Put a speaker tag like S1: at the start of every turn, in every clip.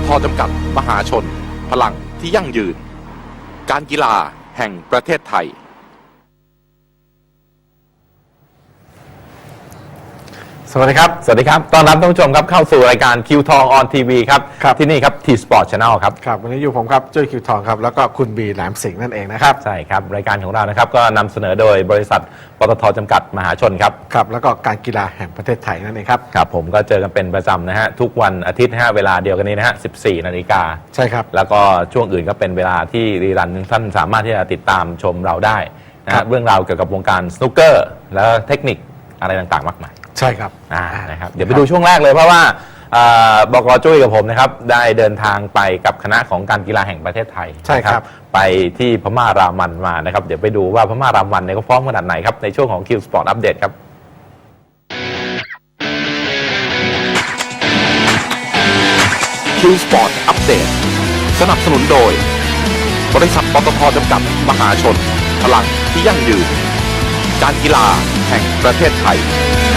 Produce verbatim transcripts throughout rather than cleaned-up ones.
S1: ทจำกัดมหาชนพลังที่ยั่งยืนการกีฬาแห่งประเทศไทย
S2: สวัสดีครับ
S3: สวัสดีครับต้อนรับท่านผู้ชมครับเข้าสู่รายการคิวทองออนทีวีครับที่นี่ครับทีสปอร์ตชาแนลครับ
S2: ครับวันนี้อยู่ผมครับจุ้ยคิวทองครับแล้วก็คุณบีแหลมสิงห์นั่นเองนะครับ
S3: ใช่ครับรายการของเรานะครับก็นำเสนอโดยบริษัทปตทจำกัดมหาชนครับ
S2: ครับแล้วก็การกีฬาแห่งประเทศไทยนั่นเองครับ
S3: ครับผมก็เจอกันเป็นประจำนะฮะทุกวันอาทิตย์นะฮะเวลาเดียวกันนี้นะฮะสิบสี่นาฬิกา
S2: ใช่ครับ
S3: แล้วก็ช่วงอื่นก็เป็นเวลาที่รีรันท่านสามารถที่จะติดตามชมเราได้นะฮะเรื่องราวเกี่ยวกับวงการสนุกเกอร์และเทคนิคอะไรต่างๆมากมาย
S2: ใช่ครับ
S3: อ่านะครับเดี๋ยวไปดูช่วงแรกเลยเพราะว่าบก.จุ้ยกับผมนะครับได้เดินทางไปกับคณะของการกีฬาแห่งประเทศไทย
S2: ใช่ครับ
S3: ไปที่พม่ารามันมานะครับเดี๋ยวไปดูว่าพม่ารามันเนี่ยเขาพร้อมขนาดไหนครับในช่วงของคิวสปอร์ตอัปเดตครับ
S1: คิวสปอร์ตอัปเดตสนับสนุนโดยบริษัทปตทจำกัดมหาชนพลังที่ยั่งยืนการกีฬาแห่งประเทศไทย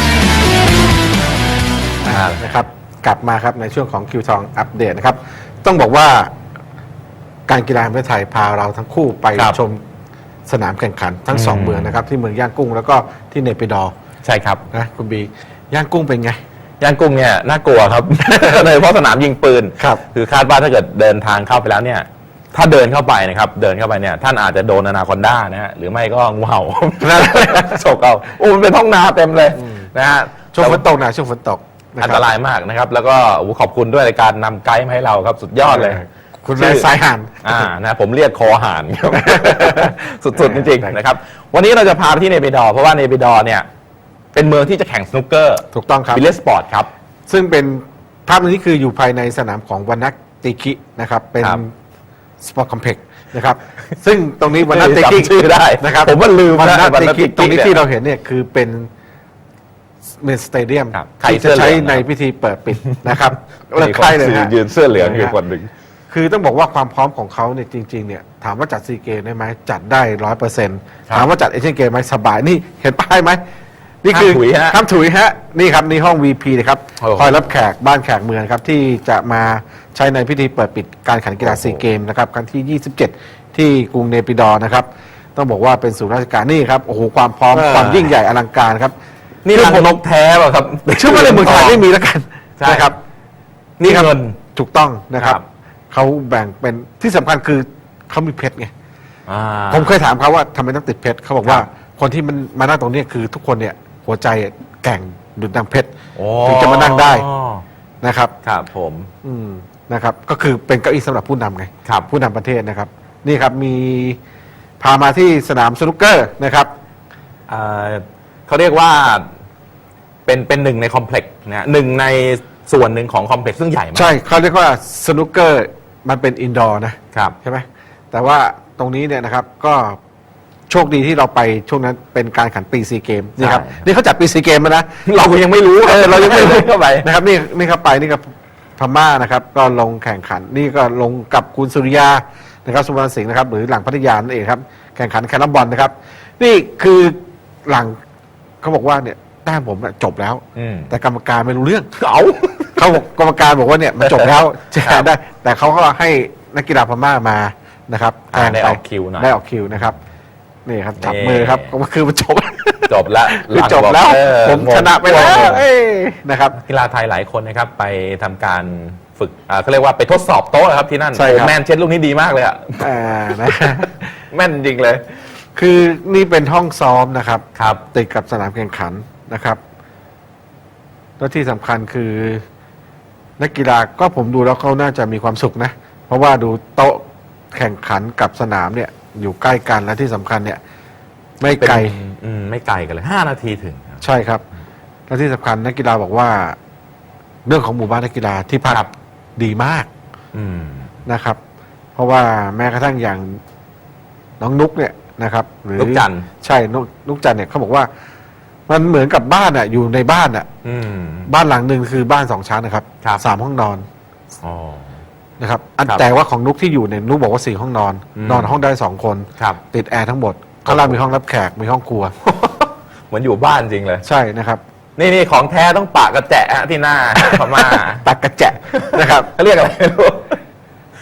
S2: นะครับกลับมาครับในช่วงของคิวทองอัปเดตนะครับต้องบอกว่าการกีฬาแห่งประเทศไทยพาเราทั้งคู่ไปชมสนามแข่งขันทั้งสองเมืองนะครับที่เมืองย่างกุ้งแล้วก็ที่เนปิดอร์
S3: ใช่ครับ
S2: นะคุณบีย่างกุ้งเป็นไง
S3: ย่างกุ้งเนี่ยน่ากลัวครับ โดยเฉพาะสนามยิงปืน
S2: ครับ
S3: คือคาดว่าถ้าเกิดเดินทางเข้าไปแล้วเนี่ยถ้าเดินเข้าไปนะครับเดินเข้าไปเนี่ยท่านอาจจะโดนอนาคอนด้านะฮะหรือไม่ก็งูเห่าโฉกเอาโอ้มันเป็นท้องนาเต็มเลยนะฮะ
S2: ช่วงฝนตกนะช่วงฝนตก
S3: อันตรายมากนะครับแล้วก็ขอบคุณด้วยในการนำไกด์มาให้เราครับสุดยอดเลย
S2: คุณนายสายห่าน
S3: อ่านะผมเรียกคอห่านครับสุดๆจริงๆนะครับวันนี้เราจะพาไปที่เนปิดอร์เพราะว่าเนปิดอร์เนี่ยเป็นเมืองที่จะแข่งสนุกเกอร์
S2: ถูกต้องครับ
S3: บิลเลียร์สปอร์ตครับ
S2: ซึ่งเป็นภาพนี้คืออยู่ภายในสนามของวานักติกินะครับเป็นสปอร์ตคอมเพล็กซ์นะครับซึ่งตรงนี้วานักติกิ
S3: ชื่อได้
S2: นะครับ
S3: ผมว่าลืม
S2: วานักติกิตรงนี้ที่เราเห็นเนี่ยคือเป็นเมนสเตเดียมที่จะใช้ในพิธีเปิดปิดนะครับ
S3: แล้วใครเลยยืนเสื้อเหลืองอยู่คนหนึ่ง
S2: คือต้องบอกว่าความพร้อมของเขาเนี่ยจริงๆเนี่ยถามว่าจัดซีเกมได้ไหมจัดได้ร้อยเปอร์เซ็นต์ถามว่าจัดเอเชียนเกมไหมสบายนี่เห็นป้ายไหมนี่คือห้ามถุยฮะนี่ครับนี่ห้อง วี พี นะครับคอยรับแขกบ้านแขกเมืองครับที่จะมาใช้ในพิธีเปิดปิดการแข่งกีฬาซีเกมนะครับครั้งที่ยี่สิบเจ็ดที่กรุงเนปิดอร์นะครับต้องบอกว่าเป็นศูนย์ราชการนี่ครับโอ้โหความพร้อมความยิ่งใหญ่อลังการครับ
S3: นี่รังนกแท้ป่ะครับ
S2: เชื่อว่าในเมืองไทยไม่มีแล้วกัน
S3: ใช่ครับนี่เงิน
S2: ถูกต้องนะครับเขาแบ่งเป็นที่สำคัญคือเขามีเพชรไงผมเคยถามเขาว่าทำไมต้องติดเพชรเขาบอกว่าคนที่มันมานั่งตรงนี้คือทุกคนเนี่ยหัวใจแก่งดุจดังเพชรถึงจะมานั่งได้นะครับ
S3: ครับผม
S2: อืมนะครับก็คือเป็นเก้าอี้สำหรับผู้นำไงผู้นำประเทศนะครับนี่ครับมีพามาที่สนามสนุกเกอร์นะครับ
S3: เขาเรียกว่าเป็นเป็นหนึ่งในคอมเพล็กซ์นะหนึ่งในส่วนหนึ่งของคอมเพล็กซ์ซึ่งใหญ่มาก
S2: ใช่เขาเรียกว่าสนุกเกอร์มันเป็นอินดอร์นะครับใช่ไหมแต่ว่าตรงนี้เนี่ยนะครับก็โชคดีที่เราไปช่วงนั้นเป็นการขันปีซีเกมนี่ครับนี่เขาจัดปีซีเกมมานะ
S3: เรายังไม่รู้
S2: เออเรายังไม่รู้เข้าไปนะครับนี่นี่เข้าไปนี่ก็พม่านะครับก็ลงแข่งขันนี่ก็ลงกับคุณสุริยานะครับสุวรรณสิงห์นะครับหรือหลังพัทยานั่นเองครับแข่งขันแครัมบอลนะครับนี่คือหลังเขาบอกว่าเนี่ยแต้มผมจบแล้วแต่กรรมการไม่รู้เรื่อง
S3: เขา
S2: เขาบอกกรรมการบอกว่าเนี่ยมันจบแล้วจะได้แต่เขาก็ให้นักกีฬาพม่ามานะครับ
S3: ได้ออกคิวหน่อย
S2: ได้ออกคิวนะครับนี่ครับจับมือครับก็คือมันจบ
S3: จบแล้ว
S2: คือจบแล้วผมชนะไปแล้วนะครับ
S3: กีฬาไทยหลายคนนะครับไปทำการฝึกเขาเรียกว่าไปทดสอบโต๊ะครับที่นั่นแมนเช็ดลูกนี้ดีมากเลยอ่ะแม่นจริงเลย
S2: คือนี่เป็นห้องซ้อมนะครับ
S3: ครับ
S2: ติดกับสนามแข่งขันนะครับแล้วที่สำคัญคือนักกีฬาก็ผมดูแล้วเขาน่าจะมีความสุขนะเพราะว่าดูโต๊ะแข่งขันกับสนามเนี่ยอยู่ใกล้กันและที่สำคัญเนี่ยไม่ไกล
S3: ไม่ไกลกันเลยห้านาทีถึง
S2: ใช่ครับและที่สำคัญนักกีฬาบอกว่าเรื่องของหมู่บ้านนักกีฬาที่พักดีมากนะครับเพราะว่าแม้กระทั่งอย่างน้องนุกเนี่ยนะครับ
S3: หรือนุกจัน
S2: ใช่นุกนุกจันเนี่ยเขาบอกว่ามันเหมือนกับบ้านอ่ะอยู่ในบ้านอ่ะบ้านหลังหนึ่งคือบ้านสองชั้นนะครับสามห้องนอนนะครับอันแต่ว่าของนุกที่อยู่เนี่ยนุกบอกว่าสี่ห้องนอนนอนห้องได้สองคนติดแอร์ทั้งหมดข้างล่างมีห้องรับแขกมีห้องครัว
S3: เหมือนอยู่บ้านจริงเลย
S2: ใช่นะครับ
S3: นี่นี่ของแท้ต้องปากกระแจะที่หน้าพม่า
S2: ปากกระแจะนะครับ
S3: เขาเรียกอะไรลูก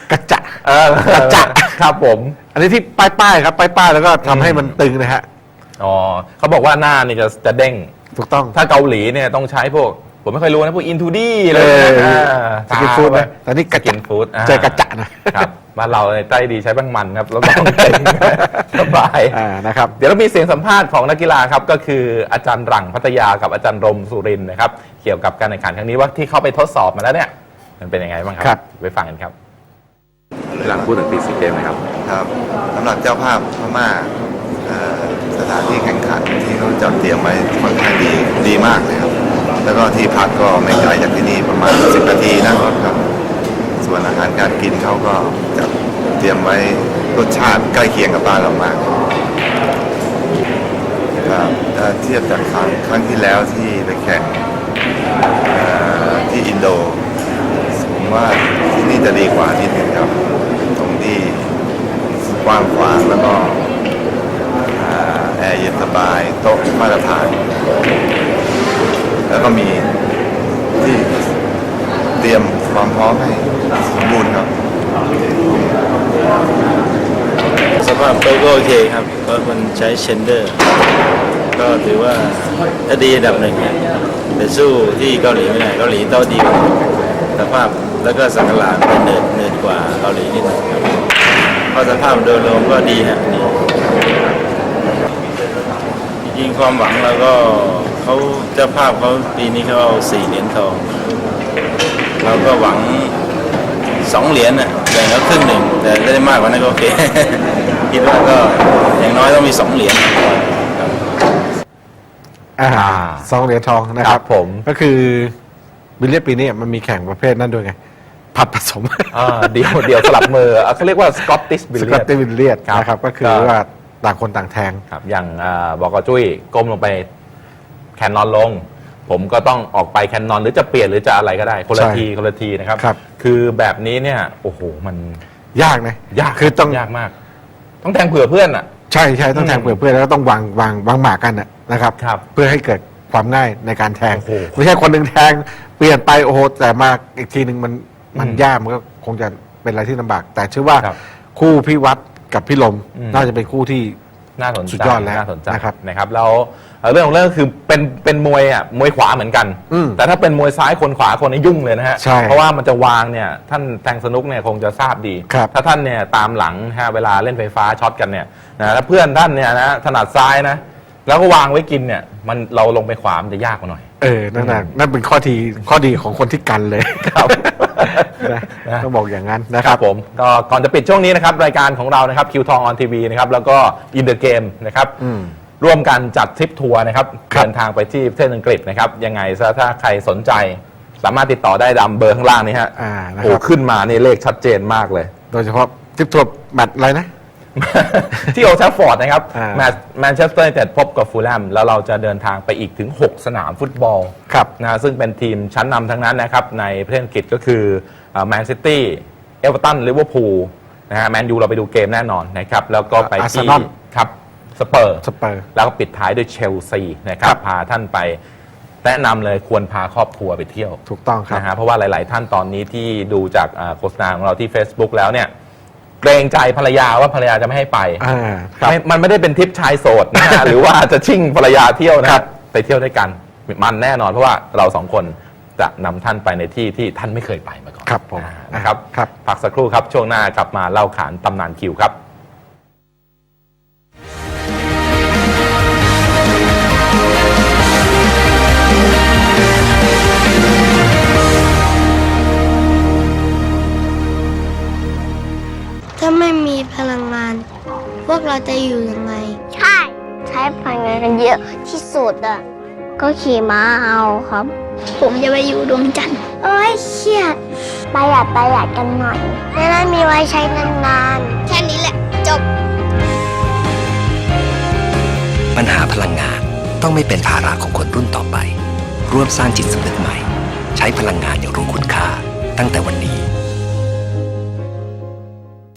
S2: กระจะ
S3: เออก
S2: ระจะ
S3: ครับผม
S2: อันนี้ที่ป้ายๆครับป้ายๆแล้วก็ทำให้มันตึงนะฮะ
S3: อ๋อเขาบอกว่าหน้านี่จะจะเด้ง
S2: ถูกต้อง
S3: ถ้าเกาหลีเนี่ยต้องใช้พวก ผมไม่เคยรู้นะ พวกอินทูดี้เลย
S2: เออ
S3: นะ
S2: สกินฟู้ดนะแต่นี่กระจะ
S3: สกินฟู้ด
S2: เจอกระจะนะครับ
S3: บ้านเราในใต้ดีใช้แป้งมันครับแล้วต้องเต็งสบาย
S2: อ่านะครับ
S3: เดี๋ยวเรามีเสียงสัมภาษณ์ของนักกีฬาครับ ก็คืออาจารย์หลังพัทยากับอาจารย์รมสุรินทร์นะครับ เกี่ยวกับการแข่งขันครั้งนี้ว่าที่เข้าไปทดสอบมาแล้วเนี่ย มันเป็นยังไงบ้างครั
S2: ครับ
S3: ไปฟังกันครับ
S1: หลังพูดถึงปีซีเกมนะครับ
S4: ครับสำหรับเจ้าภาพพม่าเอ่อสถานที่แข่งขันที่เขาจัดเตรียมไว้ค่อนข้างดีดีมากเลยครับ แล้วก็ที่พักก็ไม่ไกลจากที่นี่ประมาณสิบนาทีนั่งรถครับ ส่วนอาหารการกินเขาก็จัดเตรียมไว้รสชาติใกล้เคียงกับบ้านเรามากครับถ้าเทียบจากครั้งครั้งที่แล้วที่ไปแข่งเอ่อที่อินโดผมว่าที่นี่จะดีกว่านิดนึงครับ ตรงที่กว้างขวางแล้วก็อ่าแอร์เย็นสบายโต๊ะมาตรฐาน แล้วก็มีที่เตรียมความพร้อมให้สมบูรณ์ครับ
S5: สภาพโต๊ะก็โอเคครับเพราะมันใช้เชนเดอร์ ก็ถือว่าถ้าดีอันดับหนึ่งเนี่ยแต่สู้ที่เกาหลีไม่ได้เกาหลีโต๊ะดีกว่าสภาพแล้วก็สังกลาเป็นเนิร์ดเนิร์ดกว่าเกาหลีนิดหนึงครับเพราะสภาพโดยรวมก็ดีฮะดีจริงๆความหวังเราก็เขาเจ้าภาพเขาปีนี้เขาเอาสี่เหรียญทอง เราก็หวังสองเหรียญน่ะแบ่งแล้วครึ่งหนึ่งแต่ถ้าได้มากกว่านั้นก็โอเค คิดว่าก็อย่างน้อยต้องมีสองเหรียญครับ
S2: อ่าสองเหรียญทองนะค
S3: ครั
S2: รับบ
S3: ผม
S2: ก็คือบิลเลียนปีนี้มันมีแข่งประเภทนั่นด้วยไง ผัดผสม
S3: อ่าเดียวเดียวสลับมืออ่ะเขาเรียกว่าสกอตติชบิล
S2: ส
S3: เลี
S2: กั
S3: ย
S2: ตติวิลเลียน
S3: ครับ
S2: นะครับก็คือ
S3: ก็
S2: ว่าต่างคนต่างแทง
S3: ครับอย่างอ่าบอกกับจุ้ยก้มลงไปแคนนอนลง ผมก็ต้องออกไปแคนนอนหรือจะเปลี่ยนหรือจะอะไรก็ได้คนละ
S2: ใช่
S3: ทีคนละทีนะครับ
S2: ครับ
S3: คือแบบนี้เนี่ยโอ้โหมัน
S2: ยากนะ
S3: ยาก
S2: คือต้อง
S3: ยากมาก ต้องแทงเผื่อเพื่อนอ่ะ
S2: ใช่ใช่ต้องแทง
S3: อืม
S2: เผื่อเพื่อนแล้วก็ต้องวางวางวางหมากกันนะนะครับ
S3: ครับ
S2: เพื่อให้เกิดความง่ายในการแทง
S3: โอ้โห
S2: ไม่ใช่คนหนึ่งแทงเปลี่ยนไปโอ้โหแต่มาอีกทีหนึ่งมันมัน
S3: อืม
S2: ยากมันก็คงจะเป็นอะไรที่ลำบาก แต่เชื่อว่า
S3: ครับ
S2: คู่พี่วัดกับพี่ลม
S3: อืม
S2: น่าจะเป็นคู่ที่
S3: น่าสนใจ
S2: สุดยอดแล้ว
S3: น่าสนใจ
S2: นะครับ
S3: นะครับแล้วเอ่อเรื่องของเรื่องก็คือเป็นเป็นมวยอ่ะมวยขวาเหมือนกัน
S2: อืม
S3: แต่ถ้าเป็นมวยซ้ายคนขวาคนนี้ยุ่งเลยนะฮะ
S2: ใช่
S3: เพราะว่ามันจะวางเนี่ยท่านแทงสนุกเนี่ยคงจะทราบดี
S2: ครับ
S3: ถ้าท่านเนี่ยตามหลังฮะเวลาเล่นไฟฟ้าช็อตกันเนี่ยนะถ้าเพื่อนท่านเนี่ยนะถนัดซ้ายนะแล้วก็วางไว้กินเนี่ยมันเราลงไปขวามันจะยากกว่าหน่อย
S2: เออนั่นน่ะนั่นเป็นข้อดีข้อดีของคนที่กันเลย
S3: ครับ
S2: นะ
S3: นะ
S2: ต้องบอกอย่างนั้นนะ
S3: นะ
S2: ค
S3: ค
S2: รั
S3: รับ บผมก็ก่อนจะปิดช่วงนี้นะครับรายการของเรานะครับคิวทองออนทีวีนะครับแล้วก็อินเดอะเกมนะครับ
S2: อืม
S3: ร่วมกันจัดทริปทัวร์นะครับ
S2: ครับ
S3: เดินทางไปที่ประเทศอังกฤษนะครับยังไงซะถ้าใครสนใจ สามารถติดต่อได้ตามเบอร์ข้างล่างนี้ฮะ
S2: อ่านะ
S3: โอ้
S2: ครับ
S3: ขึ้นมานี่เลขชัดเจนมากเลย
S2: โดยเฉพาะทิปทัวร์แมตช์อะไรนะ
S3: ที่โอลด์แทฟฟอร์ดนะครับ
S2: อ่า
S3: แมตช์แมนเชสเตอร์ยูไนเต็ดพบกับฟูลแลมแล้วเราจะเดินทางไปอีกถึง หก สนามฟุตบอล
S2: ครับ
S3: นะซึ่งเป็นทีมชั้นนำทั้งนั้นนะครับ ในประเทศอังกฤษก็คือแมนซิตี้เอเวอร์ตันลิเวอร์พูลนะฮะแมนยูเราไปดูเกมแน่นอนนะครับ แล้วก็ไป
S2: อาร์เซ
S3: ที่
S2: นอล
S3: ครับสเปอร์
S2: สเปอร์
S3: แล้วก็ปิดท้ายด้วยเชลซีนะครั
S2: ครับ บ
S3: พาท่านไปแนะนำเลยควรพาครอบครัวไปเที่ยว
S2: ถูกต้องครับ
S3: นะฮะเพราะว่าหลาย ๆ ท่านตอนนี้ที่ดูจากอ่าโฆษณาของเราที่ Facebook แล้วเนี่ยเกรงใจภรรยาว่าภรรยาจะไม่ให้ไป
S2: อ่าครับ
S3: ไม่มันไม่ได้เป็นทริปชายโสดนะฮะ หรือว่าจะชิ่งภรรยาเที่ยวนะ
S2: ค
S3: ค
S2: รั
S3: รับ บไปเที่ยวด้วยกันมันแน่นอนเพราะว่าเราสองคนจะนำท่านไปในที่ที่ท่านไม่เคยไปมาก่อน
S2: ครับผม
S3: อ่านะครับ
S2: ครับ
S3: พักสักครู่ครับช่วงหน้ากลับมาเล่าขานตำนานคิวครับ
S6: ถ้าไม่มีพลังงาน พวกเราจะอยู่ยังไง
S7: ใช่ ใช้พลังงานกันเยอะที่สุดอ่ะ ก็ขี่ม้าเอาครับ
S6: ผมจะไปอยู่ดวงจันทร์
S7: เอ้ยเครียดประหยัดประหยัดกันหน่อยจะได้มีไว้ใช้นานๆ
S6: แค่นี้แหละ จบ
S8: ปัญหาพลังงานต้องไม่เป็นภาระของคนรุ่นต่อไป ร่วมสร้างจิตสำนึกใหม่ ใช้พลังงานอย่างรู้คุณค่า ตั้งแต่วันนี้